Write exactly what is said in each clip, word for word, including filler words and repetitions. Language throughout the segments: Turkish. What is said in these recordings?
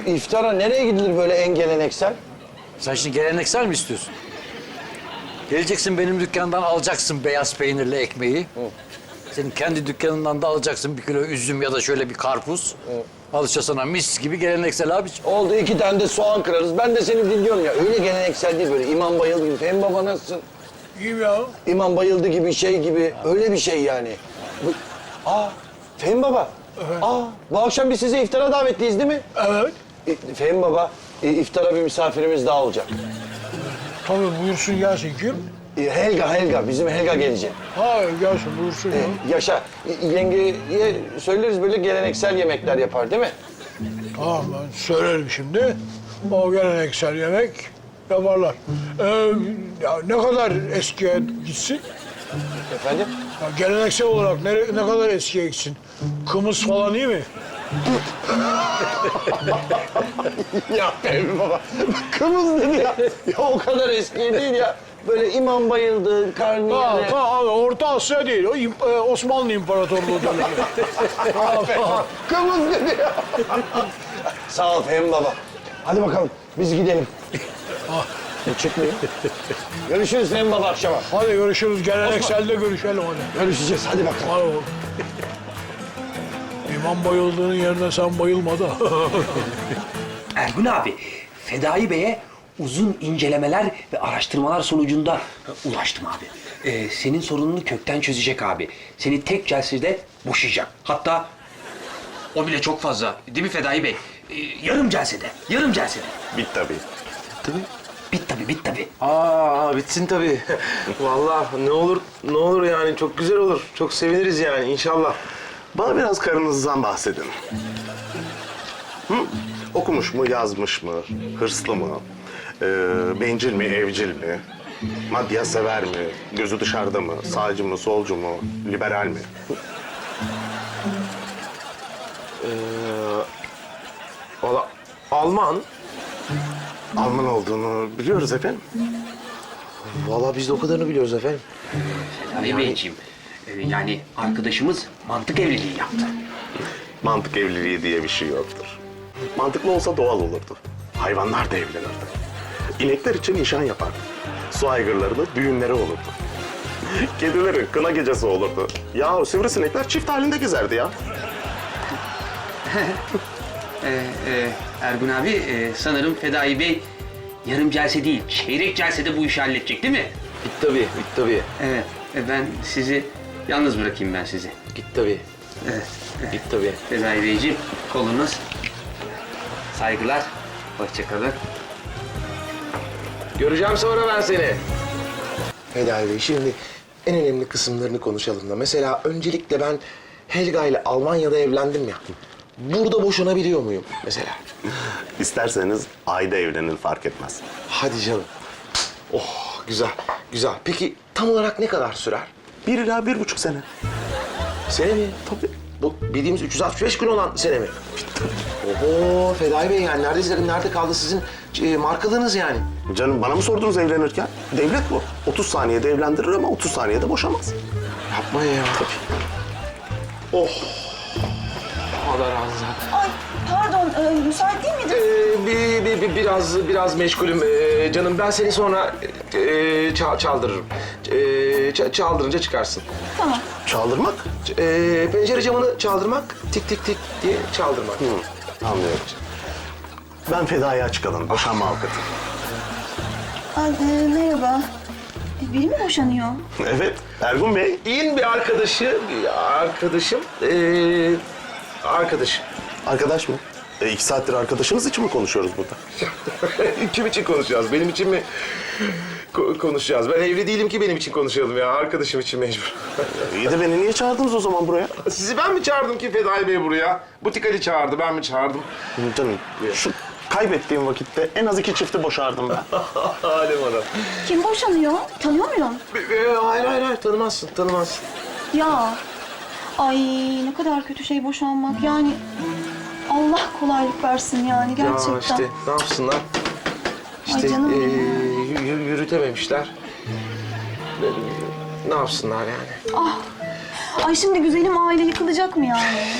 iftara nereye gidilir böyle en geleneksel? Sen şimdi geleneksel mi istiyorsun? Geleceksin benim dükkandan alacaksın beyaz peynirli ekmeği. Hı. Senin kendi dükkanından da alacaksın bir kilo üzüm ya da şöyle bir karpuz. Hı. Al işte sana mis gibi geleneksel abiciğim. Oldu iki tane de soğan kırarız. Ben de seni dinliyorum ya. Öyle geleneksel değil böyle. İmam bayıldı gibi. Fehmi baba nasılsın? İyiyim ya. İmam bayıldı gibi şey gibi. Öyle bir şey yani. Bu... Aa Fehmi baba. Evet. Aa bu akşam biz size iftara davetliyiz değil mi? Evet. E, Fehmi baba e, iftara bir misafirimiz daha olacak. Tabii buyursun gelsin kim? E, Helga Helga. Bizim Helga gelecek. Ha gelsin buyursun ya. E, yaşa. E, yengeye söyleriz böyle geleneksel yemekler yapar değil mi? Tamam ben söylerim şimdi. O geleneksel yemek yaparlar. Ee, ya ne kadar eskiye gitsin? Efendim? Ya geleneksel olarak ne, ne kadar eskiye gitsin? Kımız falan iyi mi? Ya Fehmi baba, kımız dedi ya. Ya o kadar eski değil ya. Böyle imam bayıldı, Ha, karnıyarı. ha, Orta Asya değil, o İm- e, Osmanlı İmparatorluğu dönemi. Kımız dedi ya. Sağ ol Fehmi baba. Hadi bakalım, biz gidelim. Ah. Bu çıkmıyor. Görüşürüz Fehmi baba akşama. Hadi görüşürüz, gelenekselde görüşelim hadi. Görüşeceğiz, hadi bakalım. Hadi oğlum. İmam bayıldığının yerine sen bayılma da. Ergun abi, Fedai Bey'e uzun incelemeler ve araştırmalar sonucunda ulaştım abi. Ee, senin sorununu kökten çözecek abi. Seni tek celsede boşayacak. Hatta o bile çok fazla. Değil mi Fedai Bey? Ee, yarım celsede, yarım celsede. Bit tabii. Bit tabii, bit tabii. Aa bitsin tabii. Vallahi ne olur ne olur yani çok güzel olur. Çok seviniriz yani inşallah. Bana biraz karınızdan bahsedin. Hı? Okumuş mu, yazmış mı, hırslı mı, ee, bencil mi, evcil mi, maddiyat sever mi, gözü dışarıda mı, sağcı mı, solcu mu, liberal mi? Ee, valla Alman. Alman olduğunu biliyoruz efendim. Vallahi biz de o kadarını biliyoruz efendim. Fedai Beyciğim, e, yani arkadaşımız mantık evliliği yaptı. Mantık evliliği diye bir şey yoktur. Mantıklı olsa doğal olurdu. Hayvanlar da evlenirdi. İnekler için nişan yapardı. Su aygırlarının düğünleri olurdu. Kedilerin kına gecesi olurdu. Ya sivrisinekler çift halinde gezerdi ya. Ee, e, Ergun abi, e, sanırım Fedai Bey yarım celse değil, çeyrek celsede bu işi halledecek değil mi? Git tabii, git tabii. Evet, e, ben sizi yalnız bırakayım ben sizi. Git tabii. Evet, Git tabii. Fedai Beyciğim, kolunuz. Saygılar, hoşça kalın. Göreceğim sonra ben seni. Fedai Bey, şimdi en önemli kısımlarını konuşalım da. Mesela öncelikle ben Helga ile Almanya'da evlendim ya. Burada boşanabiliyor muyum mesela? İsterseniz ayda evlenin fark etmez. Hadi canım. Oh, güzel, güzel. Peki tam olarak ne kadar sürer? Bir ila bir buçuk sene. Sene mi? Tabii. Bu bildiğimiz üç yüz altmış beş gün olan sene mi? Oho, Fedai Bey yani neredeyse nerede kaldı sizin e, markalığınız yani? Canım bana mı sordunuz evlenirken? Devlet bu. otuz saniyede evlendirir ama otuz saniyede boşamaz. Yapma ya. Tabii. Oh. Allah razı olsun. Ay pardon, e, müsait değil miydin? Ee, bir, bir, bir, biraz biraz meşgulüm ee, canım. Ben seni sonra e, ça- çaldırırım. E, ça- çaldırınca çıkarsın. Tamam. Çaldırmak? E, pencere camını çaldırmak, tik tik tik diye çaldırmak. Hı, anlıyorum. Ben Feda'ya açık alın, boşanma avukatı. Ay, e, merhaba. E, biri mi boşanıyor? Evet, Ergun Bey. İyin bir arkadaşı, bir arkadaşım, ee, arkadaşım. Arkadaş mı? E, iki saattir arkadaşınız için mi konuşuyoruz burada? Kim için konuşacağız? Benim için mi ko- konuşacağız? Ben evli değilim ki benim için konuşalım ya. Arkadaşım için mecbur. İyi de beni niye çağırdınız o zaman buraya? Sizi ben mi çağırdım ki Fedai Bey buraya? Butik Ali çağırdı, ben mi çağırdım? Canım, şu kaybettiğim vakitte en az iki çifti boşardım ben. Halim adam. Kim boşanıyor? Tanıyor muyum? Ee, hayır, hayır, hayır. Tanımazsın, tanımazsın. Ya. Ay ne kadar kötü şey boşanmak yani. Allah kolaylık versin yani gerçekten. Ya işte ne yapsınlar? İşte canım ee, benim. yürü- yürütememişler. Ne, ne yapsınlar yani? Ah. Ay şimdi güzelim aile yıkılacak mı yani?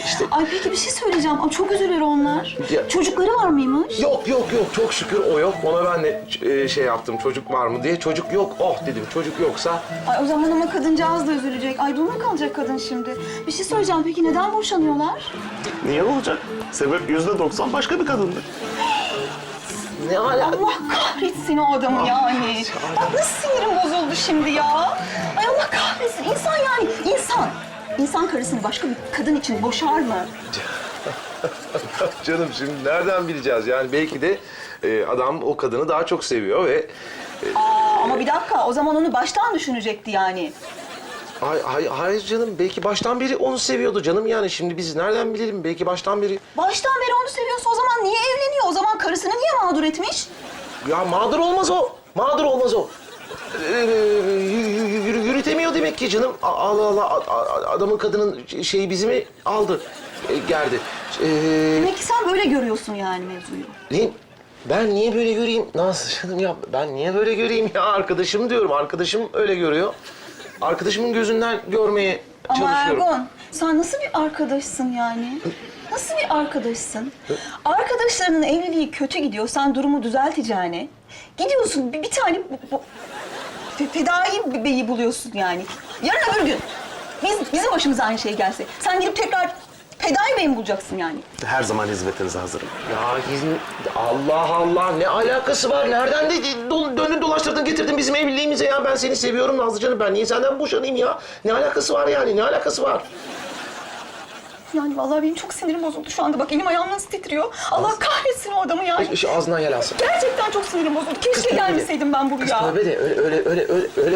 işte Ay peki bir şey söyleyeceğim. Ay, çok üzülür onlar. Ya- Çocukları var mıymış? yok yok yok çok şükür o yok. Ona ben de e, şey yaptım çocuk var mı diye. Çocuk yok. Oh dedim çocuk yoksa. Ay o zaman ama kadıncağız da üzülecek. Ay dul mu kalacak kadın şimdi? Bir şey söyleyeceğim. Peki neden boşanıyorlar? Niye olacak? Sebep yüzde doksan başka bir kadındı. Ne ala? Allah kahretsin o adamı yani. Bak nasıl sinirim bozuldu şimdi ya. Ay Allah kahretsin. İnsan yani insan. İnsan karısını başka bir kadın için boşar mı? Canım şimdi nereden bileceğiz? Yani belki de e, adam o kadını daha çok seviyor ve... Aa, ama bir dakika o zaman onu baştan düşünecekti yani. Hay, hay, hayır canım belki baştan beri onu seviyordu canım yani. Şimdi biz nereden bilelim? Belki baştan beri... Baştan beri onu seviyorsa o zaman niye evleniyor? O zaman karısını niye mağdur etmiş? Ya mağdur olmaz o. Mağdur olmaz o. Ee, yürü- yürü- yürütemiyor demek ki canım. A- Allah Allah a- a- adamın kadının şeyi bizi mi aldı? E, gerdi. Ee, Demek ki sen böyle görüyorsun yani mevzuyu. ne? Ben niye böyle göreyim? Nasıl canım ya? Ben niye böyle göreyim ya? Arkadaşım diyorum. Arkadaşım öyle görüyor. Arkadaşımın gözünden görmeye Ama çalışıyorum. Ergun, sen nasıl bir arkadaşsın yani? Nasıl bir arkadaşsın? Arkadaşlarının evliliği kötü gidiyor, sen durumu düzelteceğine. Gidiyorsun bir, bir tane bu, bu, fe- fedai bir beyi buluyorsun yani. Yarın öbür gün biz, bizim başımıza aynı şey gelse, sen gidip tekrar fedai beyi mi bulacaksın yani? Her zaman hizmetinize hazırım. Ya hizmet... Allah Allah ne alakası var? Nereden de do- döndün dolaştırdın getirdin bizim evliliğimize ya? Ben seni seviyorum Nazlı canım. Ben niye senden boşanayım ya? Ne alakası var yani? Ne alakası var? Yani vallahi benim çok sinirim bozuldu şu anda. Bak elim ayağım nasıl titriyor. Allah kahretsin o adamı yani. Şu ağzından yel alsın. Gerçekten çok sinirim bozuldu. Keşke tövbe de. gelmeseydim ben buraya. Tövbe de öyle öyle öyle öyle öyle.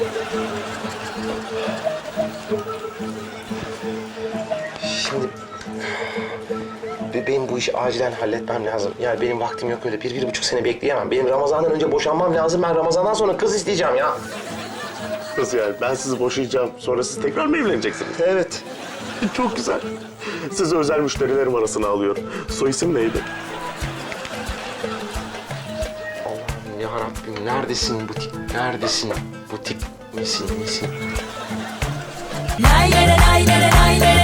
Şimdi be- benim bu işi acilen halletmem lazım. Yani benim vaktim yok öyle. Bir, bir buçuk sene bekleyemem. Benim Ramazan'dan önce boşanmam lazım. Ben Ramazan'dan sonra kız isteyeceğim ya. Nasıl yani? Ben sizi boşayacağım. Sonra siz tekrar mı evleneceksiniz? Evet. Çok güzel. Sizi özel müşterilerim arasına alıyor. Soy isim neydi? Allah'ım ya Rabbim neredesin bu tip? Neredesin bu tip? Nesin, nesin? Lay lay lay lay lay lay